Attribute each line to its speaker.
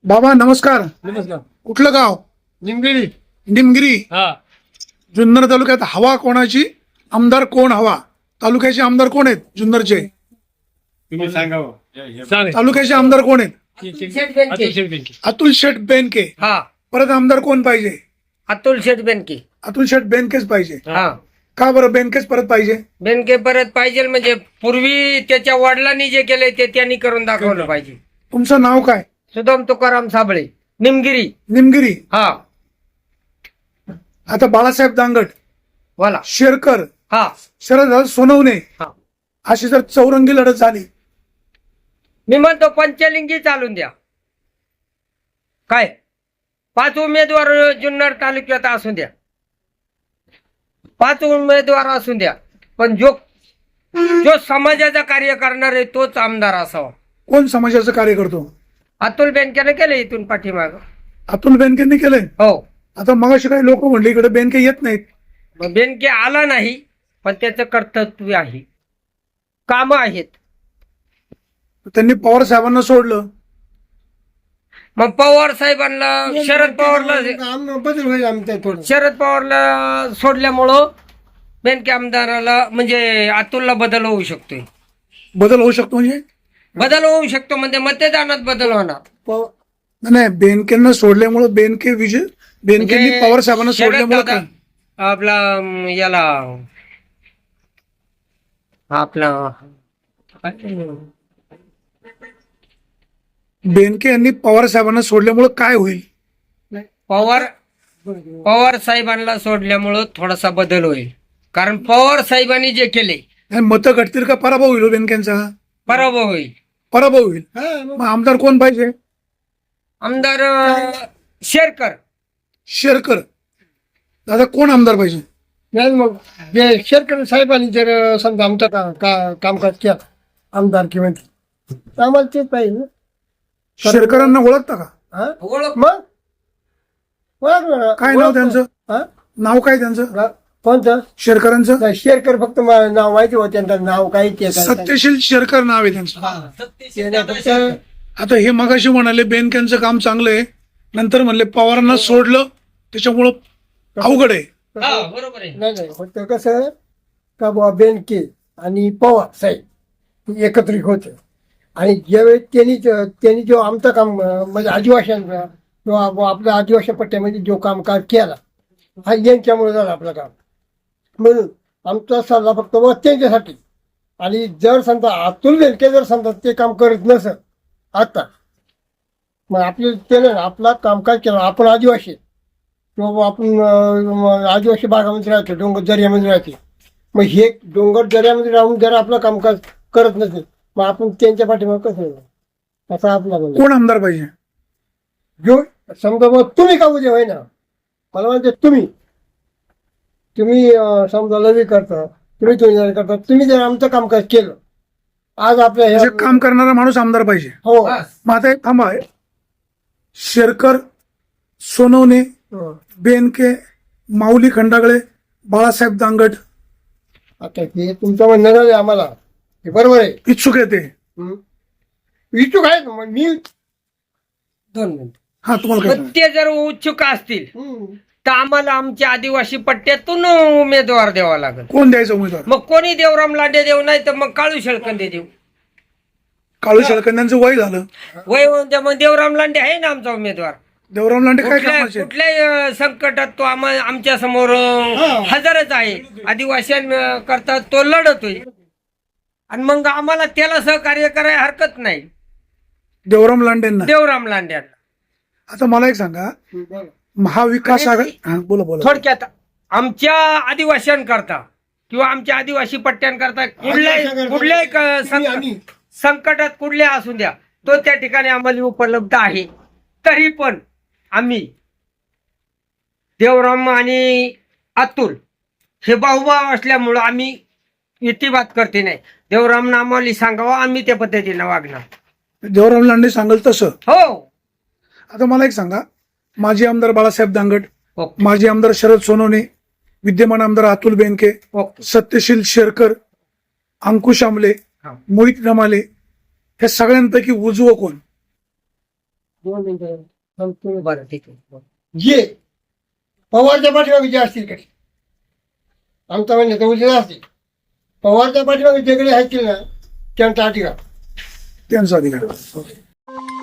Speaker 1: बाबा नमस्कार.
Speaker 2: नमस्कार.
Speaker 1: कुठलं गाव?
Speaker 2: निमगिरी.
Speaker 1: निमगिरी.
Speaker 2: हा.
Speaker 1: जुन्नर तालुक्यात हवा कोणाची? आमदार कोण हवा? तालुक्याचे आमदार कोण आहेत जुन्नरचे?
Speaker 2: तुम्ही सांगा.
Speaker 1: तालुक्याचे आमदार कोण आहेत?
Speaker 3: अतुल शेठ बेनके.
Speaker 1: हा. परत आमदार कोण पाहिजे?
Speaker 3: अतुल शेठ बेनके.
Speaker 1: अतुल शेठ बेनकेच पाहिजे.
Speaker 3: हा.
Speaker 1: का बरं बेनकेच परत पाहिजे?
Speaker 3: बेनके परत पाहिजे म्हणजे पूर्वी त्याच्या वडिलांनी जे केले ते त्यांनी करून दाखवलं पाहिजे.
Speaker 1: तुमचं नाव काय?
Speaker 3: सुदाम तुकाराम साबळे, निमगिरी.
Speaker 1: निमगिरी.
Speaker 3: हा.
Speaker 1: आता बाळासाहेब दांगट,
Speaker 3: बोला.
Speaker 1: शेरकर,
Speaker 3: हा.
Speaker 1: शरद सोनवणे
Speaker 3: हा.
Speaker 1: अशी जर चौरंगी लढत झाली,
Speaker 3: मी म्हणतो पंचलिंगी चालून द्या. काय 5 उमेदवार जुन्नर तालुक्यात असू द्या, 5 उमेदवार असू द्या, पण जो समाजाचा कार्य करणार आहे तोच आमदार असावा.
Speaker 1: कोण समाजाचं कार्य करतो?
Speaker 3: अतुल बेनकेने केलं इथून पाठीमाग.
Speaker 1: अतुल बेनकेंनी केलंय.
Speaker 3: हो.
Speaker 1: आता मगाशी काही लोक म्हणले इकडे बेनके येत नाहीत.
Speaker 3: मग बेनके आला नाही, पण त्याचं कर्तव्य आहे, काम आहेत.
Speaker 1: त्यांनी पवार साहेबांना सोडलं.
Speaker 3: मग पवार साहेबांना शरद पवारला
Speaker 2: बदल होईल आमच्या थोडं.
Speaker 3: शरद पवारला सोडल्यामुळं बेनके आमदाराला म्हणजे अतुलला बदल होऊ शकतोय.
Speaker 1: बदल होऊ शकतो म्हणजे?
Speaker 3: बदल होऊ शकतो म्हणजे मतदानात बदल होणार.
Speaker 1: नाही, बेनकेंना सोडल्यामुळे बेनके विजय बेनकेंनी
Speaker 3: म्हणजे
Speaker 1: पवार साहेबांना
Speaker 3: शरद
Speaker 1: सोडल्यामुळे
Speaker 3: दादा आपला याला आपला
Speaker 1: बेनके यांनी पवार साहेबांना सोडल्यामुळे काय होईल?
Speaker 3: पवार साहेबांना सोडल्यामुळं थोडासा बदल होईल, कारण पवार साहेबांनी जे केले
Speaker 1: मतं घटतील का पराभव होईल बेनकेंचा?
Speaker 3: पराभव होईल.
Speaker 1: पराभव होईल. मग आमदार कोण पाहिजे?
Speaker 3: आमदार शेरकर.
Speaker 1: शेरकर. दादा कोण आमदार पाहिजे?
Speaker 2: नाही मग शेरकर साहेबांनी जर समजा आमचं कामकाज केलं आमदार किंवा आम्हाला तेच पाहिजे.
Speaker 1: शेरकरांना ओळखता का?
Speaker 2: मग
Speaker 1: काय नाव त्यांचं? नाव काय त्यांचं?
Speaker 2: कोणतं?
Speaker 1: शेरकरांचं
Speaker 2: शेरकर फक्त नाव माहिती होतं, त्यांचं नाव काही ते
Speaker 1: सत्यशील शेरकर नाव आहे त्यांचं. आता हे मगाशी म्हणाले बेनकेंचं काम चांगलं आहे, नंतर म्हणले पवारांना सोडलं त्याच्यामुळं अवघड आहे.
Speaker 3: बरोबर आहे.
Speaker 2: नाही फक्त कसं का बाबा बेनके आणि पवार साहेब एकत्रित होते आणि ज्यावेळेस त्यांनी जो आमचं काम म्हणजे आदिवासींचा किंवा आपल्या आदिवासी पट्ट्यामध्ये जो कामकाज केला हा यांच्यामुळे झाला आपलं काम. म्हणून आमचा सल्ला फक्त व त्यांच्यासाठी. आणि जर समजा अतुल बेनके जर समजा ते काम करत नसत आता, मग आपले त्याने आपला कामकाज केला. आपण आदिवासी किंवा आपण आदिवासी भागामध्ये राहतो, डोंगर दर्यामध्ये राहते, मग हे डोंगर दर्यामध्ये राहून जर आपलं कामकाज करत नसेल मग आपण त्यांच्या पाठीमाग कसं असं आपला म्हणजे
Speaker 1: कोण आमदार पाहिजे?
Speaker 2: जो समजा मग तुम्ही का उद्या होय ना, मला म्हणते तुम्ही समजा लवी करता, तुम्ही जर आमचं कामकाज केलं आज आपल्या
Speaker 1: म्हणजे काम करणारा माणूस आमदार पाहिजे.
Speaker 2: हो.
Speaker 1: मग आता एक थांबा, शेरकर, सोनवणे, बेनके, माऊली खंडागळे, बाळासाहेब दांगट,
Speaker 2: आता हे तुमचं म्हणणं झालं आम्हाला हे बरोबर आहे.
Speaker 1: इच्छुक येते.
Speaker 2: इच्छुक आहेत मग मी
Speaker 3: 2 मिनिट.
Speaker 1: हा तुम्हाला काय?
Speaker 3: ते जर उत्सुक असतील तर आम्हाला आमच्या आदिवासी पट्ट्यातून उमेदवार द्यावा लागेल.
Speaker 1: कोण द्यायचं उमेदवार?
Speaker 3: मग कोणी देवराम लांडे देऊ, नाही तर मग काळू शेळकंदे देऊ.
Speaker 1: काळू शेळकंद्यांचं वय झालं.
Speaker 3: वय मग देवराम लांडे आहे ना आमचा उमेदवार.
Speaker 1: देवराम लांडे काय कामाचे?
Speaker 3: कुठल्याही संकटात तो आमच्या समोर हजरच आहे. आदिवासींकरता तो लढतोय आणि मग आम्हाला त्याला सहकार्य करायला हरकत नाही.
Speaker 1: देवराम लांडेंना.
Speaker 3: देवराम लांड्यांना
Speaker 1: आता मला एक सांगा, महाविकास आघाडी. बोला बोला.
Speaker 3: थोडक्यात आमच्या आदिवासींकरता किंवा आमच्या आदिवासी पट्ट्यांकरता कुठल्याही संकटात कुठल्या असू द्या तो त्या ठिकाणी आम्हाला उपलब्ध आहे. तरी पण आम्ही देवराम आणि अतुल हे भाऊभाव असल्यामुळं आम्ही इतिबात करते नाही. देवरामनं आम्हाला सांगावं, आम्ही त्या पद्धतीनं वागणार.
Speaker 1: देवराम लांडे सांगेल तसं.
Speaker 3: हो.
Speaker 1: आता मला एक सांगा, माजी आमदार बाळासाहेब दांगट,
Speaker 3: ओके.
Speaker 1: माजी आमदार शरद सोनवणे, विद्यमान आमदार अतुल बेनके,
Speaker 3: ओके.
Speaker 1: सत्यशील शेरकर, अंकुश आमले,
Speaker 3: हा.
Speaker 1: मोहित रमाले, हे सगळ्यांपैकी उजवं कोण?
Speaker 2: 2 मिनिटं थांबतो.
Speaker 3: बरं ठीक आहे.
Speaker 2: जे पवारच्या पाठीमागे जे असतील कडे आमचा म्हणजे उद्या असतील पवारच्या पाठीमागे जे कडे असतील ना त्यांचा अधिकार
Speaker 1: त्यांचा अधिकार